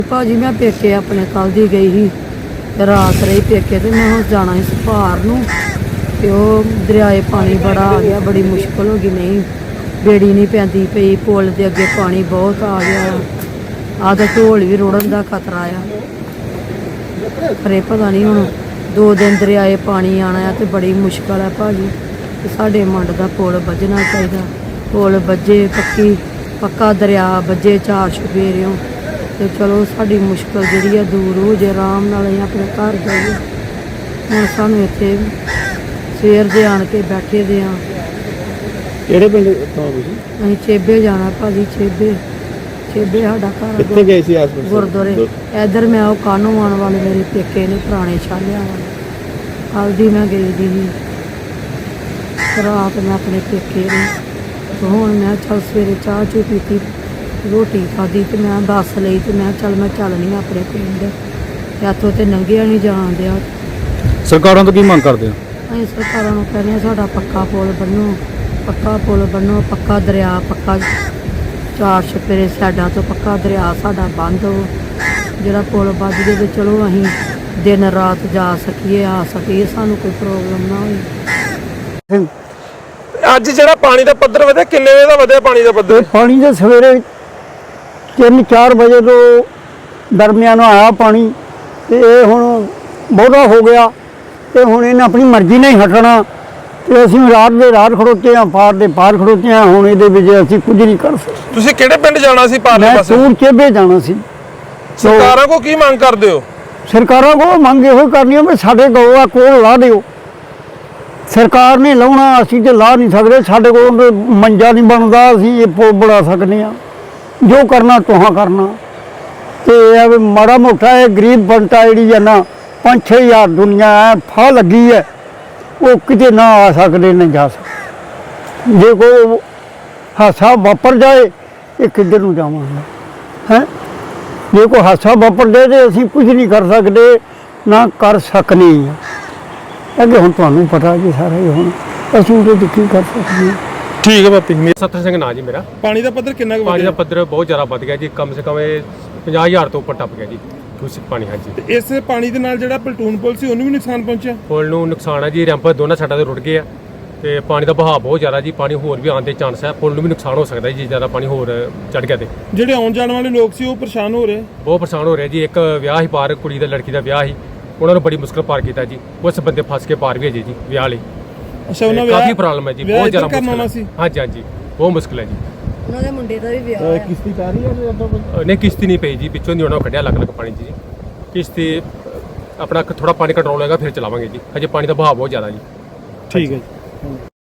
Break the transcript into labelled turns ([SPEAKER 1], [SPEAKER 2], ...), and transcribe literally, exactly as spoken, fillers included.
[SPEAKER 1] ਭਾਜੀ ਮੈਂ ਪੇਕੇ ਆਪਣੇ ਕੱਲ ਦੀ ਗਈ ਸੀ ਤੇ ਰਾਤ ਰਹੀ ਪੇਕੇ ਤੇ ਮੈਂ ਹੁਣ ਜਾਣਾ ਸੀ ਸੁਭਾਰ ਨੂੰ ਤੇ ਉਹ ਦਰਿਆਏ ਪਾਣੀ ਬੜਾ ਆ ਗਿਆ, ਬੜੀ ਮੁਸ਼ਕਲ ਹੋ ਗਈ। ਨਹੀਂ ਬੇੜੀ ਨਹੀਂ ਪੈਂਦੀ ਪਈ, ਪੁਲ ਦੇ ਅੱਗੇ ਪਾਣੀ ਬਹੁਤ ਆ ਗਿਆ। ਆਹ ਤਾਂ ਢੋਲ ਵੀ ਰੁੜਨ ਦਾ ਖਤਰਾ ਆ। ਪਰ ਇਹ ਪਤਾ ਨਹੀਂ ਹੁਣ ਦੋ ਦਿਨ ਦਰਿਆਏ ਪਾਣੀ ਆਣਾ ਆ ਤੇ ਬੜੀ ਮੁਸ਼ਕਲ ਹੈ ਭਾਜੀ। ਤੇ ਸਾਡੇ ਮੰਡ ਦਾ ਪੁਲ ਵੱਜਣਾ ਚਾਹੀਦਾ, ਪੁਲ ਵੱਜੇ ਪੱਕੀ ਪੱਕਾ ਦਰਿਆ ਵੱਜੇ ਚਾਰ ਚੁਫੇਰਿਓਂ ਤੇ ਚਲੋ ਸਾਡੀ ਮੁਸ਼ਕਲ ਜਿਹੜੀ ਆ ਦੂਰ ਹੋ ਜੇ, ਆਰਾਮ ਨਾਲ ਅਸੀਂ ਆਪਣੇ ਘਰ ਜਾਈਏ। ਹੁਣ ਸਾਨੂੰ ਇੱਥੇ ਸਵੇਰ ਦੇ ਆਣ ਕੇ ਬੈਠੇ ਦੇ ਆ।
[SPEAKER 2] ਕਿਹੜੇ ਪਿੰਡ ਤੋਂ ਤੁਸੀਂ?
[SPEAKER 1] ਅਸੀਂ ਚੇਬੇ ਜਾਣਾ ਭਾਜੀ, ਚੇਬੇ ਚੇਬੇ ਸਾਡਾ ਘਰ।
[SPEAKER 2] ਕਿੱਥੇ ਗਏ ਸੀ ਆਸ-ਪਾਸ?
[SPEAKER 1] ਗੁਰਦੁਆਰੇ ਇੱਧਰ ਮੈਂ ਉਹ ਕਾਨੂੰ ਆਉਣ ਵਾਲੇ ਮੇਰੇ ਪੇਕੇ ਨੇ ਪੁਰਾਣੇ ਛਾਲਿਆਂ ਵਾਲੇ। ਕੱਲ੍ਹ ਦੀ ਮੈਂ ਗਈ ਦੀ ਸੀ ਰਾਤ ਮੈਂ ਆਪਣੇ ਪੇਕੇ ਨੇ ਤੇ ਹੁਣ ਮੈਂ ਚੱਲ ਸਵੇਰੇ ਚਾਹ ਚੂ ਪੀਤੀ, ਰੋਟੀ ਖਾਧੀ ਤੇ ਮੈਂ ਬੱਸ ਲਈ ਤੇ ਮੈਂ ਚੱਲ ਮੈਂ ਚੱਲਣੀ ਆਪਣੇ ਪਿੰਡ। ਇੱਥੋਂ ਤੇ ਲੰਘਿਆ ਨਹੀਂ ਜਾਣ ਦਿਆ।
[SPEAKER 3] ਸਰਕਾਰਾਂ ਤੋਂ ਕੀ ਮੰਗ ਕਰਦੇ ਹੋ?
[SPEAKER 1] ਅਸੀਂ ਸਰਕਾਰਾਂ ਨੂੰ ਕਹਿੰਦੇ ਹਾਂ ਸਾਡਾ ਪੱਕਾ ਪੁਲ ਬਣੋ, ਪੱਕਾ ਪੁਲ ਬਣੋ, ਪੱਕਾ ਦਰਿਆ, ਪੱਕਾ ਚਾਰ ਛਪੇਰੇ ਸਾਈਡਾਂ ਤੋਂ ਪੱਕਾ ਦਰਿਆ ਸਾਡਾ ਬੰਦ ਹੋ। ਜਿਹੜਾ ਪੁਲ ਵੱਜ ਜੇ ਤੇ ਚਲੋ ਅਸੀਂ ਦਿਨ ਰਾਤ ਜਾ ਸਕੀਏ, ਆ ਸਕੀਏ, ਸਾਨੂੰ ਕੋਈ ਪ੍ਰੋਬਲਮ ਨਾ ਹੋਵੇ।
[SPEAKER 4] ਅੱਜ ਜਿਹੜਾ ਪਾਣੀ ਦਾ ਪੱਧਰ ਵਧਿਆ, ਕਿੰਨੇ ਵਜੇ ਦਾ ਵਧਿਆ ਪਾਣੀ ਦਾ ਪੱਧਰ?
[SPEAKER 2] ਪਾਣੀ ਦੇ ਸਵੇਰੇ ਤਿੰਨ ਚਾਰ ਵਜੇ ਤੋਂ ਦਰਮਿਆਨ ਆਇਆ ਪਾਣੀ ਤੇ ਇਹ ਹੁਣ ਬਹੁਤਾ ਹੋ ਗਿਆ ਤੇ ਹੁਣ ਇਹਨੇ ਆਪਣੀ ਮਰਜ਼ੀ ਨਾਲ ਹੀ ਹਟਣਾ ਤੇ ਅਸੀਂ ਰਾਤ ਦੇ ਰਾਤ ਖੜੋਤੇ ਹਾਂ, ਪਾਰ ਦੇ ਪਾਰ ਖੜੋਤੇ ਹਾਂ। ਹੁਣ ਇਹਦੇ ਵਿੱਚ ਅਸੀਂ ਕੁਝ ਨਹੀਂ ਕਰ ਸਕਦੇ।
[SPEAKER 4] ਤੁਸੀਂ ਕਿਹੜੇ ਪਿੰਡ ਜਾਣਾ ਸੀ ਪਾਰਲੇ
[SPEAKER 2] ਮੈਂ
[SPEAKER 4] ਪਾਸੇ?
[SPEAKER 2] ਸੂਰ ਚੇਬੇ ਜਾਣਾ ਸੀ।
[SPEAKER 4] ਸਰਕਾਰਾਂ ਕੋ ਕੀ ਮੰਗ ਕਰਦੇ ਹੋ?
[SPEAKER 2] ਸਰਕਾਰਾਂ ਕੋਲ ਮੰਗ ਇਹੋ ਕਰਨੀ ਹੈ ਵੀ ਸਾਡੇ ਗੋਆ ਕੋਲ ਲਾ ਦਿਓ। ਸਰਕਾਰ ਨੇ ਲਾਉਣਾ, ਅਸੀਂ ਤੇ ਲਾ ਨਹੀਂ ਸਕਦੇ। ਸਾਡੇ ਕੋਲ ਮੰਜਾ ਨਹੀਂ ਬਣਦਾ, ਅਸੀਂ ਇਹ ਪੁਲ ਬਣਾ ਸਕਦੇ ਹਾਂ। ਜੋ ਕਰਨਾ ਤੁਹਾਂ ਕਰਨਾ ਤੇ ਇਹ ਵੀ ਮਾੜਾ ਮੋਟਾ ਇਹ ਗਰੀਬ ਬੰਦਾ ਜਿਹੜੀ ਹੈ ਨਾ ਪੰਜ ਛੇ ਹਜ਼ਾਰ ਦੁਨੀਆ ਹੈ ਫਾ ਲੱਗੀ ਹੈ, ਉਹ ਕਿਤੇ ਨਾ ਆ ਸਕਦੇ ਨਾ ਜਾ ਸਕਦੇ। ਜੇ ਕੋਈ ਹਾਦਸਾ ਵਾਪਰ ਜਾਏ ਇਹ ਕਿੱਧਰ ਨੂੰ ਜਾਵਾਂਗੇ ਹੈ? ਜੇ ਕੋਈ ਹਾਦਸਾ ਵਾਪਰ ਜਾਏ ਤੇ ਅਸੀਂ ਕੁਝ ਨਹੀਂ ਕਰ ਸਕਦੇ, ਨਾ ਕਰ ਸਕਨੇ ਹਾਂ। ਅੱਗੇ ਹੁਣ ਤੁਹਾਨੂੰ ਪਤਾ ਜੀ ਸਾਰਾ ਹੀ, ਹੁਣ ਅਸੀਂ ਉਹਦੇ ਕੀ ਕਰ ਸਕਦੇ ਹਾਂ।
[SPEAKER 4] ਠੀਕ ਹੈ ਬਾਪੀ।
[SPEAKER 3] ਸਤਰ ਸਿੰਘ ਨਾਂ ਜੀ ਮੇਰਾ।
[SPEAKER 4] ਪਾਣੀ ਦਾ ਪੱਧਰ ਕਿੰਨਾ ਕੁ
[SPEAKER 3] ਪਾਣੀ ਦਾ
[SPEAKER 4] ਵਧਿਆ?
[SPEAKER 3] ਪੱਧਰ ਬਹੁਤ ਜ਼ਿਆਦਾ ਵੱਧ ਗਿਆ ਜੀ, ਕਮ ਸੇ ਕਮ ਇਹ ਪੰਜਾਹ ਹਜ਼ਾਰ ਤੋਂ ਉੱਪਰ ਟੱਪ ਗਿਆ ਜੀ ਦੂਸ਼ਿਤ ਪਾਣੀ। ਹਾਂਜੀ,
[SPEAKER 4] ਤੇ ਇਸ ਪਾਣੀ ਦੇ ਨਾਲ ਜਿਹੜਾ ਪਲਟੂਨ ਪੁਲ ਸੀ ਉਹਨੂੰ ਵੀ ਨੁਕਸਾਨ ਪਹੁੰਚਿਆ?
[SPEAKER 3] ਪੁਲ ਨੂੰ ਨੁਕਸਾਨ ਹੈ ਜੀ, ਰੈਂਪ ਦੋਨਾਂ ਸਾਈਡਾਂ ਤੇ ਰੁੜ ਗਏ ਆ ਤੇ ਪਾਣੀ ਦਾ ਵਹਾਅ ਬਹੁਤ ਜ਼ਿਆਦਾ ਜੀ, ਪਾਣੀ ਹੋਰ ਵੀ ਆਉਣ ਦੇ ਚਾਂਸ ਹੈ। ਪੁਲ ਨੂੰ ਵੀ ਨੁਕਸਾਨ ਹੋ ਸਕਦਾ ਜੀ, ਜ਼ਿਆਦਾ ਪਾਣੀ ਹੋਰ ਚੜ ਗਿਆ ਤੇ।
[SPEAKER 4] ਜਿਹੜੇ ਆਉਣ ਜਾਣ ਵਾਲੇ ਲੋਕ ਸੀ ਉਹ ਪਰੇਸ਼ਾਨ ਹੋ ਰਹੇ?
[SPEAKER 3] ਬਹੁਤ ਪਰੇਸ਼ਾਨ ਹੋ ਰਿਹਾ ਜੀ। ਇੱਕ ਵਿਆਹ ਹੀ ਪਾਰ, ਕੁੜੀ ਦਾ ਲੜਕੀ ਦਾ ਵਿਆਹ ਸੀ, ਉਹਨਾਂ ਨੂੰ ਬੜੀ ਮੁਸ਼ਕਲ ਪਾਰ ਕੀਤਾ ਜੀ। ਉਸ ਬੰਦੇ ਫਸ ਕੇ ਪਾਰ ਵੀ ਹੈ ਜੀ ਵਿਆਹ ਲਈ।
[SPEAKER 4] ਅੱਛਾ, ਉਹਨਾਂ
[SPEAKER 3] ਕਾਫੀ ਪ੍ਰੋਬਲਮ ਹੈ ਜੀ, ਬਹੁਤ ਜ਼ਿਆਦਾ ਮੁਸ਼ਕਲ
[SPEAKER 4] ਸੀ।
[SPEAKER 3] ਹੈ। ਹਾਂਜੀ ਹਾਂਜੀ, ਬਹੁਤ ਮੁਸ਼ਕਲ ਹੈ ਜੀ।
[SPEAKER 1] ਉਹਨਾਂ ਦੇ ਮੁੰਡੇ ਦਾ ਵੀ ਵਿਆਹ ਹੈ।
[SPEAKER 2] ਕਿਸ਼ਤੀ ਪੈ ਰਹੀ ਹੈ ਜਾਂ
[SPEAKER 3] ਨਹੀਂ ਕਿਸ਼ਤੀ ਨਹੀਂ ਪਈ ਜੀ, ਪਿੱਛੋਂ ਦੀ ਉਹਨਾਂ ਕੱਢਿਆ ਅਲੱਗ ਅਲੱਗ ਪਾਣੀ 'ਚ ਜੀ। ਕਿਸ਼ਤੀ ਆਪਣਾ ਥੋੜਾ ਪਾਣੀ ਕੰਟਰੋਲ ਹੋਏਗਾ ਫਿਰ ਚਲਾਵਾਂਗੇ ਜੀ, ਹਜੇ ਪਾਣੀ ਦਾ ਵਹਾਅ ਬਹੁਤ ਜ਼ਿਆਦਾ ਜੀ।
[SPEAKER 4] ਠੀਕ ਹੈ ਜੀ।